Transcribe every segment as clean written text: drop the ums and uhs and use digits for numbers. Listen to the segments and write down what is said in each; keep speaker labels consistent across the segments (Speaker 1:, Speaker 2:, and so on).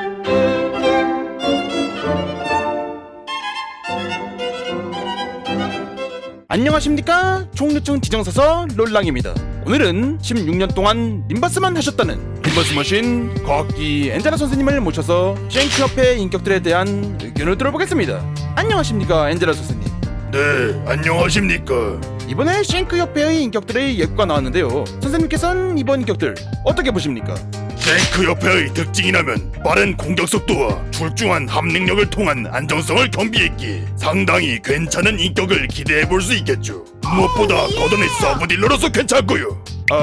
Speaker 1: 안녕하십니까, 총류증 지정사서 롤랑입니다. 오늘은 16년 동안 림바스만 하셨다는 림바스머신 과학기 엔젤라 선생님을 모셔서 쉔크협회 인격들에 대한 의견을 들어보겠습니다. 안녕하십니까, 엔젤라 선생님.
Speaker 2: 네, 안녕하십니까.
Speaker 1: 이번에 쉔크협회의 인격들의 예고가 나왔는데요, 선생님께서는 이번 인격들 어떻게 보십니까?
Speaker 2: 쉔크협회의 특징이라면 빠른 공격 속도와 출중한 합능력을 통한 안정성을 겸비했기에 상당히 괜찮은 인격을 기대해볼 수 있겠죠. 무엇보다 거던의 서브딜러로서 괜찮고요.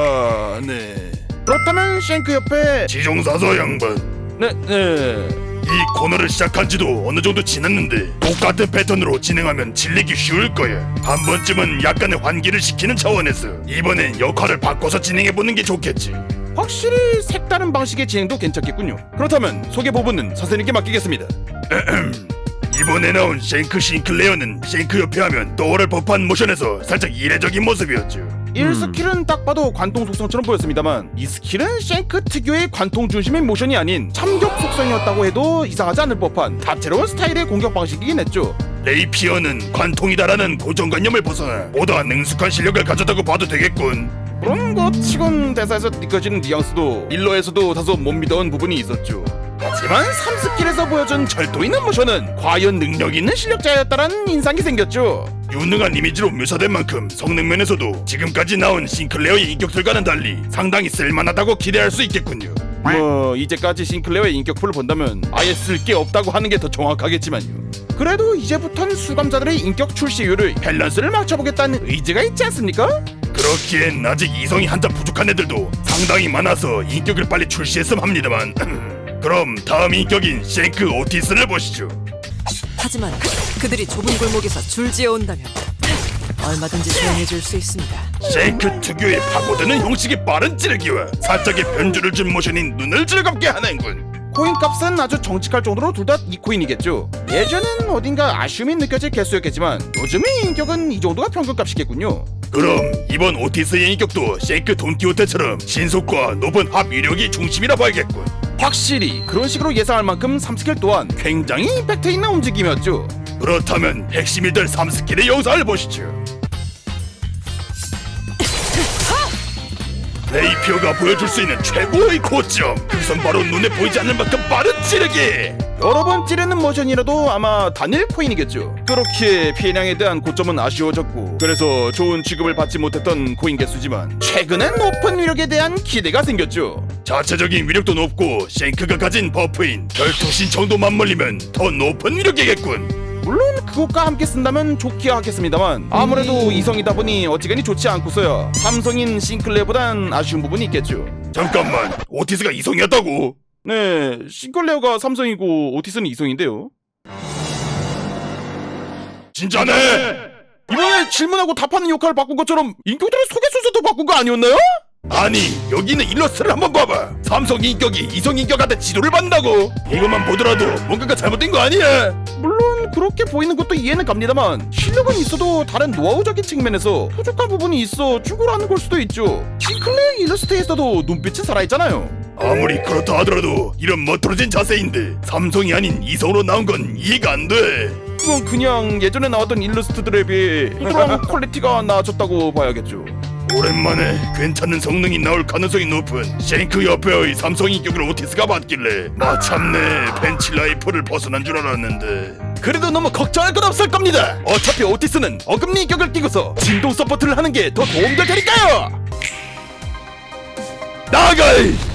Speaker 1: 네. 그렇다면 쉔크협회
Speaker 2: 지정사서 양반,
Speaker 1: 네.
Speaker 2: 이 코너를 시작한 지도 어느 정도 지났는데 똑같은 패턴으로 진행하면 질리기 쉬울 거야. 한 번쯤은 약간의 환기를 시키는 차원에서 이번엔 역할을 바꿔서 진행해보는 게 좋겠지.
Speaker 1: 확실히 색다른 방식의 진행도 괜찮겠군요. 그렇다면 소개 부분은 선생님께 맡기겠습니다.
Speaker 2: 이번에 나온 쉔크 싱클레어는 쉔크협회 하면 떠오를 법한 모션에서 살짝 이례적인 모습이었죠.
Speaker 1: 1스킬은 딱 봐도 관통 속성처럼 보였습니다만, 이 스킬은 쉔크 특유의 관통 중심의 모션이 아닌 참격 속성이었다고 해도 이상하지 않을 법한 다채로운 스타일의 공격 방식이긴 했죠.
Speaker 2: 레이피어는 관통이다라는 고정관념을 벗어나 보다 능숙한 실력을 가졌다고 봐도 되겠군.
Speaker 1: 그런 것 치곤 대사에서 느껴지는 뉘앙스도 일러에서도 다소 못 믿어온 부분이 있었죠. 하지만 3스킬에서 보여준 절도 있는 모션은 과연 능력 있는 실력자였다라는 인상이 생겼죠.
Speaker 2: 유능한 이미지로 묘사된 만큼 성능 면에서도 지금까지 나온 싱클레어의 인격들과는 달리 상당히 쓸만하다고 기대할 수 있겠군요.
Speaker 1: 이제까지 싱클레어의 인격풀을 본다면 아예 쓸 게 없다고 하는 게 더 정확하겠지만요. 그래도 이제부턴 수감자들의 인격 출시율을 밸런스를 맞춰보겠다는 의지가 있지 않습니까?
Speaker 2: 그렇기엔 아직 이성이 한참 부족한 애들도 상당히 많아서 인격을 빨리 출시했음 합니다만 그럼 다음 인격인 쉔크 오티스를 보시죠.
Speaker 3: 하지만 그들이 좁은 골목에서 줄지어 온다면 얼마든지 조용해줄 수 있습니다.
Speaker 2: 쉔크 특유의 파고드는 형식의 빠른 찌르기와 살짝의 변주를 준 모션이 눈을 즐겁게 하는군.
Speaker 1: 코인 값은 아주 정직할 정도로 둘 다 2코인이겠죠. 예전엔 어딘가 아쉬움이 느껴질 개수였겠지만 요즘의 인격은 이 정도가 평균값이겠군요.
Speaker 2: 그럼 이번 오티스의 인격도 쉔크 돈키호테처럼 신속과 높은 합 위력이 중심이라 봐야겠군.
Speaker 1: 확실히 그런 식으로 예상할 만큼 3스킬 또한 굉장히 임팩트 있는 움직임이었죠.
Speaker 2: 그렇다면 핵심이들 3스킬의 영상을 보시죠. 레이피어가 보여줄 수 있는 최고의 고점, 그것은 바로 눈에 보이지 않는 만큼 빠른 찌르기.
Speaker 1: 여러 번 찌르는 모션이라도 아마 단일 코인이겠죠. 그렇게 피해량에 대한 고점은 아쉬워졌고, 그래서 좋은 취급을 받지 못했던 코인 개수지만 최근엔 높은 위력에 대한 기대가 생겼죠.
Speaker 2: 자체적인 위력도 높고 쉔크가 가진 버프인 결투 신청도 맞물리면 더 높은 위력이겠군.
Speaker 1: 물론 그것과 함께 쓴다면 좋기야 하겠습니다만, 아무래도 이성이다 보니 어지간히 좋지 않고서야 삼성인 싱클레어보단 아쉬운 부분이 있겠죠.
Speaker 2: 잠깐만, 오티스가 이성이었다고?
Speaker 1: 네, 싱클레어가 삼성이고 오티스는 이성인데요.
Speaker 2: 진짜네?
Speaker 1: 이번에 질문하고 답하는 역할을 바꾼 것처럼 인격들의 소개 순서도 바꾼 거 아니었나요?
Speaker 2: 아니, 여기 있는 일러스트를 한번 봐봐. 삼성 인격이 이성 인격한테 지도를 받는다고? 이것만 보더라도 뭔가가 잘못된 거 아니야?
Speaker 1: 물론 그렇게 보이는 것도 이해는 갑니다만, 실력은 있어도 다른 노하우적인 측면에서 부족한 부분이 있어 죽으라는 걸 수도 있죠. 싱클레어 일러스트에서도 눈빛은 살아있잖아요.
Speaker 2: 아무리 그렇다 하더라도 이런 멋들어진 자세인데 삼성이 아닌 이성으로 나온 건 이해가 안 돼.
Speaker 1: 그건 그냥 예전에 나왔던 일러스트들에 비해 그런 퀄리티가 나아졌다고 봐야겠죠.
Speaker 2: 오랜만에 괜찮은 성능이 나올 가능성이 높은 쉔크 협회의 삼성 인격을 오티스가 받길래 마참내 벤치 라이프를 벗어난 줄 알았는데.
Speaker 1: 그래도 너무 걱정할 건 없을 겁니다. 어차피 오티스는 어금니 인격을 끼고서 진동 서포트를 하는 게 더 도움될 테니까요.
Speaker 2: 나가!